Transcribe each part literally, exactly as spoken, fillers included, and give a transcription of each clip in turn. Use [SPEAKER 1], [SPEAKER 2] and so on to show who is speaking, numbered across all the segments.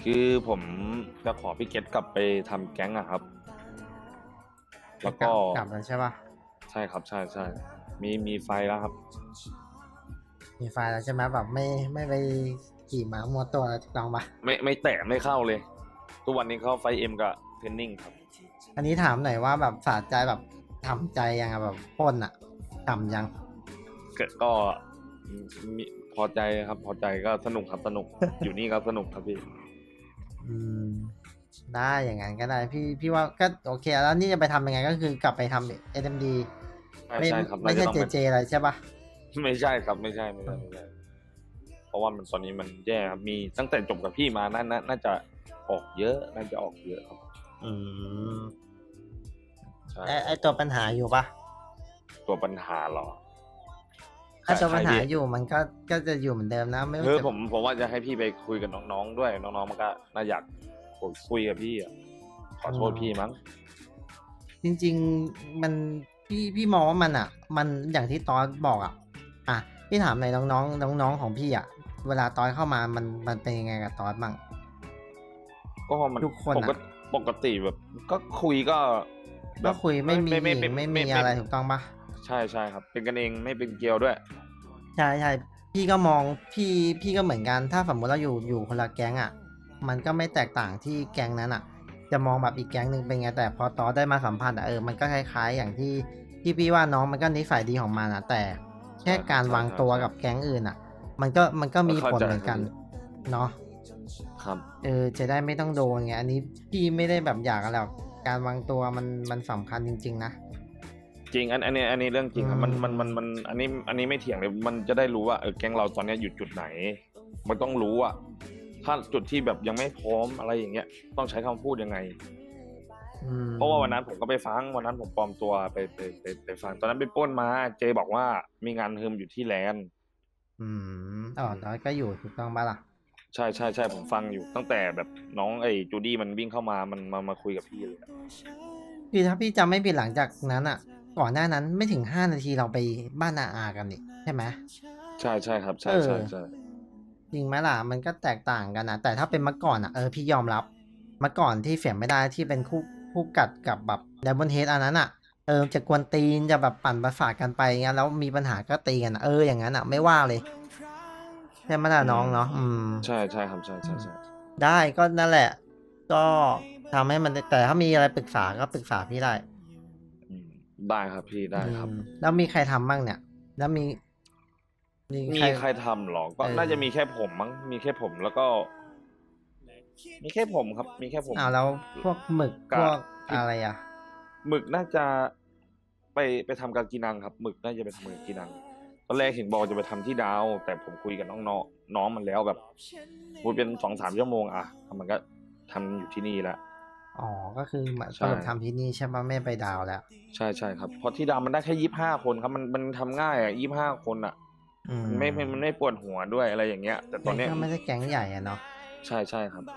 [SPEAKER 1] คือผมจะขอพี่เกตกลับไปทำแก๊งอะครับ แล้วก็
[SPEAKER 2] กลับแล้วใช่ป่ะ
[SPEAKER 1] ใช่ครับใช่ใช่มีมีไฟแล้วครับ
[SPEAKER 2] มีไฟล์แล้วใช่ไหมแบบไม่ไม่ไปขี่ม้ามัวตัวแล้วถูกต้องปะ
[SPEAKER 1] ไม่ไม่แตะไม่เข้าเลย ทุกวันนี้เข้าไฟเอ็มกับเทรนนิ่งครับ
[SPEAKER 2] อันนี้ถามหน่อยว่าแบบสะใจแบบทำใจยังอะแบบปล้นอะทำยัง
[SPEAKER 1] ก็ก็มีพอใจครับ พอใจก็สนุกครับสนุก อยู่นี่ก็สนุกครับพี่
[SPEAKER 2] อืมได้อย่างนั้นก็ได้พี่พี่ว่าก็โอเคแล้วนี่จะไปทำยังไงก็คือกลับไปทำเอ็มดี
[SPEAKER 1] ใช่
[SPEAKER 2] ไม่
[SPEAKER 1] ใช่ครับ
[SPEAKER 2] ไม่ใช่
[SPEAKER 1] น่าจะต้อง
[SPEAKER 2] เจ
[SPEAKER 1] เป็น
[SPEAKER 2] เจอะไรใช่ปะ
[SPEAKER 1] ไม่ใช่ครับไม่ใช่ไม่ใช่ไม่ใช่ เพราะว่ามันตอนนี้มันแย่ครับมีตั้งแต่จบกับพี่มาน่าน่าน่าจะออกเยอะน่าจะออกเยอะครับ
[SPEAKER 2] อืม
[SPEAKER 1] ใช่
[SPEAKER 2] ไอไอตัวปัญหาอยู่ปะ
[SPEAKER 1] ตัวปัญหาเหรอ
[SPEAKER 2] ถ้าตัวปัญหา
[SPEAKER 1] ใช่พี่
[SPEAKER 2] อยู่มันก็ก็จะอยู่เหมือนเดิมนะไม่
[SPEAKER 1] เอ
[SPEAKER 2] ว่า
[SPEAKER 1] อ
[SPEAKER 2] จะ
[SPEAKER 1] ผมผมว่าจะให้พี่ไปคุยกับน้องๆด้วยน้องๆมันก็น่าอยากคุยกับพี่อ่ะขอโทษพี่มั้ง
[SPEAKER 2] จริงๆมันพี่พี่มองว่ามันอ่ะ มันอย่างที่ตอนบอกอ่ะอ่ะพี่ถามหน่อยน้องๆน้องๆของพี่อ่ะเวลาตอนเข้ามามันมันเป็นยังไงกับตอนบ้าง
[SPEAKER 1] ก็มัน
[SPEAKER 2] ทุกคน
[SPEAKER 1] ป
[SPEAKER 2] อะ
[SPEAKER 1] กติปกติแบบ ก็คุยก็แบ
[SPEAKER 2] ก็
[SPEAKER 1] บ
[SPEAKER 2] คุยไม่มีหญิง
[SPEAKER 1] ไม่
[SPEAKER 2] ไม่มีอะไรถูกต้องปะ
[SPEAKER 1] ใช่ใช่ครับ เป็นกันเองไม่เป็นเกลียวด้วย
[SPEAKER 2] ใช่ใช่พี่ก็มองพี่พี่ก็เหมือนกันถ้าสมมติเราอยู่อยู่คนละแก๊งอ่ะ มันก็ไม่แตกต่างที่แก๊งนั้นอ่ะ จะมองแบบอีกแก๊งหนึ่งเป็นไงแต่พอตอได้มาสัมผัสอ่ะเออมันก็คล้ายๆ อย่างที่ที่พี่ว่าน้องมันก็นิสัยดีของมันอ่ะ แต่แค่การวางตัวกับแก๊งอื่นอ่ะ มันก็มันก็มีผลเหมือนกันเนาะ
[SPEAKER 1] ครับ
[SPEAKER 2] เออจะได้ไม่ต้องโดนไงอันนี้พี่ไม่ได้แบบอยากอะไรหรอกการวางตัวมันมันสำคัญจริง ๆ นะ
[SPEAKER 1] จริงอันอันนี้อันนี้เรื่องจริงครับมัน
[SPEAKER 2] อืม
[SPEAKER 1] มันมันมันอันนี้อันนี้ไม่เถียงเลยมันจะได้รู้ว่าเออแก๊งเราตอนเนี้ยอยู่จุดไหน มันต้องรู้อะถ้าจุดที่แบบยังไม่พร้อมอะไรอย่างเงี้ย ต้องใช้คำพูดยังไง
[SPEAKER 2] อืม
[SPEAKER 1] เพราะว่าวันนั้นผมก็ไปฟังวันนั้นผมปลอมตัวไปไปไปไปฟังตอนนั้นไปปล้นมา เจบอกว่ามีงานฮึมอยู่ที่แลนด์
[SPEAKER 2] อืมอ๋อแล้วก็อยู่ถูกต้องปะล่ะ
[SPEAKER 1] ใช่ใช่ใช่ผมฟังอยู่ตั้งแต่แบบน้องไอ้จูดี้มันวิ่งเข้ามามันมามาคุยกับพี่เลยอะ
[SPEAKER 2] พี่ถ้าพี่จำไม่ผิดหลังจากนั้นอ่ะ ก่อนหน้านั้นไม่ถึงห้านาทีเราไปบ้านอาอากันนี่ใช่ไหม
[SPEAKER 1] ใช่ใช่ครับใช่
[SPEAKER 2] เออ
[SPEAKER 1] ใช่ใช่
[SPEAKER 2] จริงไหมล่ะมันก็แตกต่างกันนะแต่ถ้าเป็นเมื่อก่อนอ่ะเออพี่ยอมรับเมื่อก่อนที่เสียงไม่ได้ที่เป็นคู่คู่กัดกับแบบไดมอนเฮดอันนั้นอ่ะเออจะกวนตีนจะแบบปั่นประสาทกันไปงั้นแล้วมีปัญหาก็ตีกันอะเอออย่างนั้นอ่ะไม่ว่าเลยใช่ไหมล่ะน้องเนาะอืม
[SPEAKER 1] ใช่ใช่ครับใช่ใช่ใช่
[SPEAKER 2] ได้ก็นั่นแหละ ก็ทำให้มันแต่ถ้ามีอะไรปรึกษาก็ปรึกษาพี่ได้
[SPEAKER 1] อืมได้ครับพี่ได้ครับ
[SPEAKER 2] อืมแล้วมีใครทำบ้างเนี่ย แล้วมี มี
[SPEAKER 1] มี
[SPEAKER 2] ใคร
[SPEAKER 1] ใครทำหรอก็
[SPEAKER 2] เออ
[SPEAKER 1] น่าจะมีแค่ผมมั้งมีแค่ผมแล้วก็ มีแค่ผมครับ มีแค่ผม
[SPEAKER 2] อ้าวแล้วพวกหมึก
[SPEAKER 1] กะ
[SPEAKER 2] พวก
[SPEAKER 1] ที่
[SPEAKER 2] อะไรอ่ะ
[SPEAKER 1] หมึกน่าจะไปไปทำกากีนังครับหมึกน่าจะไปทำกากีนังตอนแรกเห็นบอกจะไปทำที่ดาว แต่ผมคุยกับน้องน้องน้องมันแล้วแบบพูดเป็นสองสามชั่วโมงอะมันก็ทำอยู่ที่นี่แล้ว
[SPEAKER 2] อ๋อ ก็คือมา
[SPEAKER 1] ใช่
[SPEAKER 2] สรุปทำที่นี่ใช่ปะไม่ไปดาวแล้ว
[SPEAKER 1] ใช่ใช่ครับเพราะที่ดาวมันได้แค่ยี่สิบห้าคนครับมันมันทำง่ายอ่ะยี่สิบห้าคนอ่ะ
[SPEAKER 2] อืม
[SPEAKER 1] มันไม่ไม่มันไม่ปวดหัวด้วยอะไรอย่างเงี้ย แต่ตอนเนี้ย
[SPEAKER 2] ก็ไม่ได้แก๊งใหญ่อะเนาะ
[SPEAKER 1] ใช่ใช่ครับ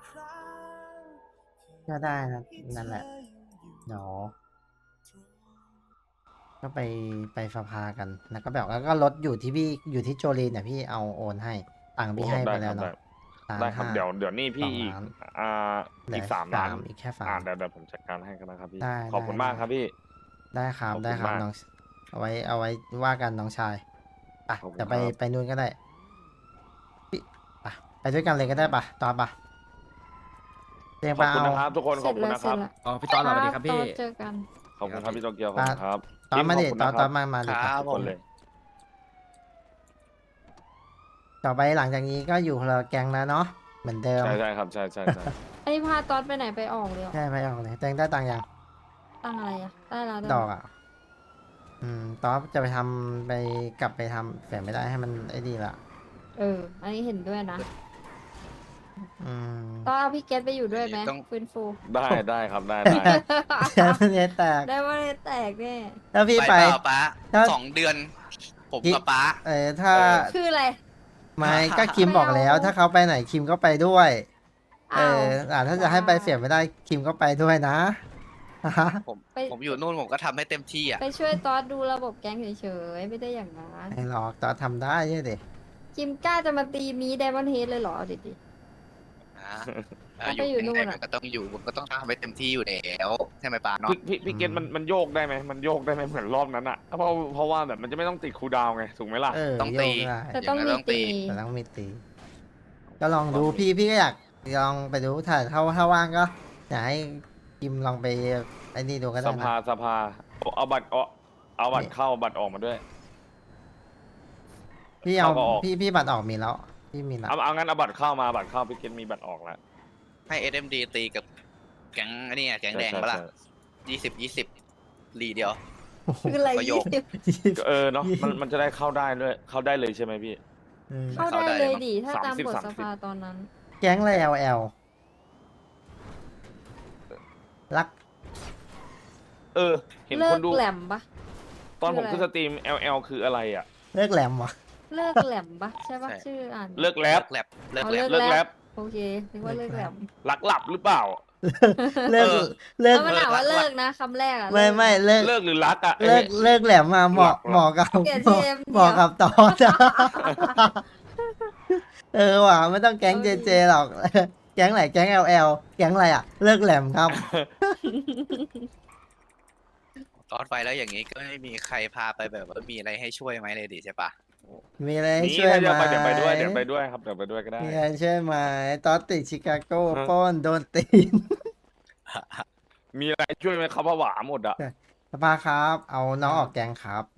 [SPEAKER 2] ก็ได้นะนั่นแหละเดี๋ยวก็ไปไปสภากัน แล้วก็แบบแล้วก็รถอยู่ที่พี่อยู่ที่โจลีนเนี่ยพี่เอาโอนให้ตังค์พี่ให้ไปแล้วเนาะ
[SPEAKER 1] ได้ครับ
[SPEAKER 2] ล้านห้า
[SPEAKER 1] เดี๋ยวเดี๋ยวนี่พี่
[SPEAKER 2] สอง
[SPEAKER 1] อีก
[SPEAKER 2] ล้าน
[SPEAKER 1] อ่า
[SPEAKER 2] เหลื
[SPEAKER 1] อีกสามล้าน
[SPEAKER 2] อีกแค่สา
[SPEAKER 1] อ่าม เดี๋ยวเดี๋ยวผมจัดการให้กันนะครับพี่
[SPEAKER 2] ได้
[SPEAKER 1] ขอบคุณ
[SPEAKER 2] ได้
[SPEAKER 1] มากครับพี่
[SPEAKER 2] ได้ครับ
[SPEAKER 1] ขอบคุณ
[SPEAKER 2] ได้ครับ
[SPEAKER 1] มาก
[SPEAKER 2] น้องเอาไว้เอาไว้ว่ากันน้องชายอ่ะ
[SPEAKER 1] ขอบคุณ
[SPEAKER 2] เดี๋ยวไป
[SPEAKER 1] ครับ
[SPEAKER 2] ไปนู่นก็ได้พี่อ่ะไปด้วยกันเลยก็ได้ปะตอนปะเรียง
[SPEAKER 1] ข
[SPEAKER 2] ไป
[SPEAKER 1] อบคุณ
[SPEAKER 2] เอา
[SPEAKER 1] นะครับ ทุกคนขอบคุณนะครับ
[SPEAKER 3] อ๋อพี่ต้อนสวัสดีครับพี่
[SPEAKER 4] เจอกัน
[SPEAKER 1] ขอบคุณครับพี่โตเกียวขอบคุณครับ
[SPEAKER 2] ตอนมาดิ
[SPEAKER 1] ขบคุณ
[SPEAKER 2] ตอน
[SPEAKER 1] นะครับ
[SPEAKER 2] ตอนมามาดิ
[SPEAKER 3] ครับ
[SPEAKER 1] ทุกคนเลย
[SPEAKER 2] ต่อไปหลังจากนี้ก็อยู่คนละแก๊งแล้วเนาะเหมือนเดิม
[SPEAKER 1] ใช่ใช่ครับใช่ใช่ใช่
[SPEAKER 4] ไอ้พาตอนไปไหนไปออกเลยเหรอ
[SPEAKER 2] ใช่ไปออกเลยแตงได้ตังค์ยัง
[SPEAKER 4] ตั้งอะไรอ่ะ ได้แล้วได้
[SPEAKER 2] ดอกอ่ะ อืมตอนจะไปทำไปกลับไปทำแต่ไม่ได้ให้มันไอ้ดีละ
[SPEAKER 4] เออ อันนี้เห็นด้วยนะ
[SPEAKER 2] อืม
[SPEAKER 4] ต้องเอาพี่เกตไปอยู่ด้วยไหม
[SPEAKER 3] ต้อง
[SPEAKER 4] ฟื้นฟู
[SPEAKER 1] ได้ได้ครับได้ได้
[SPEAKER 2] แค่มันจะแตก
[SPEAKER 4] ได้ว่าได้แตกแน่
[SPEAKER 2] ถ้าพี่
[SPEAKER 3] ไป
[SPEAKER 2] ไป
[SPEAKER 3] เปล่าป้า
[SPEAKER 2] ถ้า
[SPEAKER 3] สองเดือน ผม
[SPEAKER 2] พี่
[SPEAKER 3] กับป้า
[SPEAKER 2] เออถ้า
[SPEAKER 3] เออ
[SPEAKER 4] คืออะไร
[SPEAKER 2] ไม่ก็คิมบอกแล้ว
[SPEAKER 4] ไม่เอา
[SPEAKER 2] ถ้าเขาไปไหนคิมก็ไปด้วย เอ
[SPEAKER 4] อ้าว
[SPEAKER 2] ออ่าถ้าจะให้ไปเสียไม่ได้คิมก็ไปด้วยนะ
[SPEAKER 3] ผม
[SPEAKER 4] ไป
[SPEAKER 3] ผมอยู่นู่นผมก็ทำให้เต็มที่อ่ะ
[SPEAKER 4] ไปช่วยตอสดูระบบแก๊งเฉยๆ ไม่ได้อย่างนั้น
[SPEAKER 2] ไม่หรอกตอนทำได้ใช่ดิ
[SPEAKER 4] จิมกล้าจะมาตีมีไดมอนเฮดเลยเหรอเอาดิดิ
[SPEAKER 3] ฮเออ
[SPEAKER 4] ไปอยู่นู่น
[SPEAKER 3] ยังไง
[SPEAKER 4] อะ
[SPEAKER 3] มันก็ต้องอยู่มันก็ต้องทำให้เต็มที่อยู่แล้วใช่ไหมปาเนาะ
[SPEAKER 1] พี่พี่พี่เกตมันมันโยกได้ไหมมันโยกได้ไหมเหมือนรอบนั้นอะเพราะเพราะว่าแบบมันจะไม่ต้องติดคูลดาวน์ไงถูกไหมล่ะ
[SPEAKER 2] เออ
[SPEAKER 3] ต้อง
[SPEAKER 2] โย
[SPEAKER 3] ตี
[SPEAKER 2] กได้
[SPEAKER 4] แต่ต้อง
[SPEAKER 3] อย่างนั้
[SPEAKER 4] มี
[SPEAKER 3] นต้องตี
[SPEAKER 4] ตี
[SPEAKER 2] แต่ต้องมีตี ก็ลองดูพี่พี่ก็อยากลองไปดูถ้าถ้าถ้าว่างก็อยากให้กิมลองไปไอ้นี่ดูก็
[SPEAKER 1] ส
[SPEAKER 2] ได้
[SPEAKER 1] ภา
[SPEAKER 2] นะ
[SPEAKER 1] สภาเอาบัตรเอาเอาบัตร
[SPEAKER 2] นี่
[SPEAKER 1] เข้าบัตรออกมาด้วย
[SPEAKER 2] พี่เอา
[SPEAKER 1] เข้าก็ออก
[SPEAKER 2] พี่พี่บัตรออกมีแล้ว พี่มีแล้ว
[SPEAKER 1] เอาเอางั้นเอาบัตรเข้ามาบัตรเข้าพี่เกตมีบัตรออกแล้ว
[SPEAKER 3] ให้ เอส เอ็ม ดี ตีกับแก๊งอันนี้ไงแก๊งแดง
[SPEAKER 1] ใช่
[SPEAKER 3] ปะล่ะ
[SPEAKER 1] ใช่
[SPEAKER 3] ยี่สิบยี่สิบลีเดียว
[SPEAKER 4] คืออะไร
[SPEAKER 3] ประโย
[SPEAKER 4] ยี่
[SPEAKER 3] ค
[SPEAKER 4] สิบ
[SPEAKER 1] ก็เออเนาะมันมันจะได้เข้าได้ด้วยเข้าได้เลยใช่ไหมพี่
[SPEAKER 2] เออ
[SPEAKER 4] เข้า
[SPEAKER 3] เข้า
[SPEAKER 4] ได้
[SPEAKER 3] ได้
[SPEAKER 4] เลย
[SPEAKER 3] มั้ง
[SPEAKER 4] ดิถ้าตาม
[SPEAKER 1] สามสิบ
[SPEAKER 4] กฎ
[SPEAKER 1] สาม
[SPEAKER 4] ส
[SPEAKER 1] สิบ
[SPEAKER 4] ภาตอนนั้น
[SPEAKER 2] แก๊งอะไร แอล แอล รัก
[SPEAKER 1] เออ เห็น
[SPEAKER 4] เลิ
[SPEAKER 1] ค
[SPEAKER 4] ก
[SPEAKER 1] นดู
[SPEAKER 4] แหลมปะ
[SPEAKER 1] ตอนผม
[SPEAKER 4] คืออะไร
[SPEAKER 1] ขึ้นสตรีม แอล แอล คืออะไรอ่ะ
[SPEAKER 2] เลิกแหลมวะ
[SPEAKER 4] เลิกแหลมปะใช่ปะ
[SPEAKER 3] ใช่
[SPEAKER 4] ชื่ออ่าน
[SPEAKER 1] เลิกแร
[SPEAKER 3] เลิ
[SPEAKER 1] ป
[SPEAKER 3] กแลบเลิก
[SPEAKER 4] เอา
[SPEAKER 3] แลบ
[SPEAKER 1] เลิกแรป
[SPEAKER 4] โอเคนึกว่าเลิกแหลม
[SPEAKER 1] ลักหลับหรือเปล่า
[SPEAKER 2] เลิก
[SPEAKER 3] เออ
[SPEAKER 2] เลิก
[SPEAKER 4] แล้วมันถามว่าเลิกนะคำแรกอะ
[SPEAKER 2] ไม่
[SPEAKER 4] เลิก
[SPEAKER 2] ไม่เลิก
[SPEAKER 1] เลิกหรือรักอ่ะ
[SPEAKER 2] เลิกเลิกแหลมมาเหมาะ
[SPEAKER 1] หลักหลัก
[SPEAKER 2] เหมาะกับ
[SPEAKER 4] เปลี่ยน
[SPEAKER 2] เหมาะ
[SPEAKER 4] ทีม
[SPEAKER 2] เหมาะกับตอนอะเออว่ะไม่ต้องแก๊ง
[SPEAKER 4] เอา
[SPEAKER 2] เจ
[SPEAKER 4] ดิ
[SPEAKER 2] เจหรอก แก๊งไหนแก๊ง แอล แอล แก๊งอะไรอ่ะ เลิกแหลมครับ
[SPEAKER 3] ตอนไปแล้วอย่างนี้ก็ไม่มีใครพาไปแบบว่ามีอะไรให้ช่วยไหมเลยดิใช่ปะ
[SPEAKER 2] มีอะไรให้
[SPEAKER 1] นี่
[SPEAKER 2] ช่วย
[SPEAKER 1] ถ้า
[SPEAKER 2] ไหม
[SPEAKER 1] จะไปเดี๋ยวไปด้วยเดี๋ยวไปด้วยครับเดี๋ยวไปด้วยก็ได้
[SPEAKER 2] มีอะไรช่วยไหมตอนติดชิคาโก้
[SPEAKER 1] ฮะ
[SPEAKER 2] ปล้นโดนตีน
[SPEAKER 1] มีอะไรช่วยไหมเขาผวาหมดอ่ะ
[SPEAKER 2] สภาครับ เอาน้องออกแก๊งครับ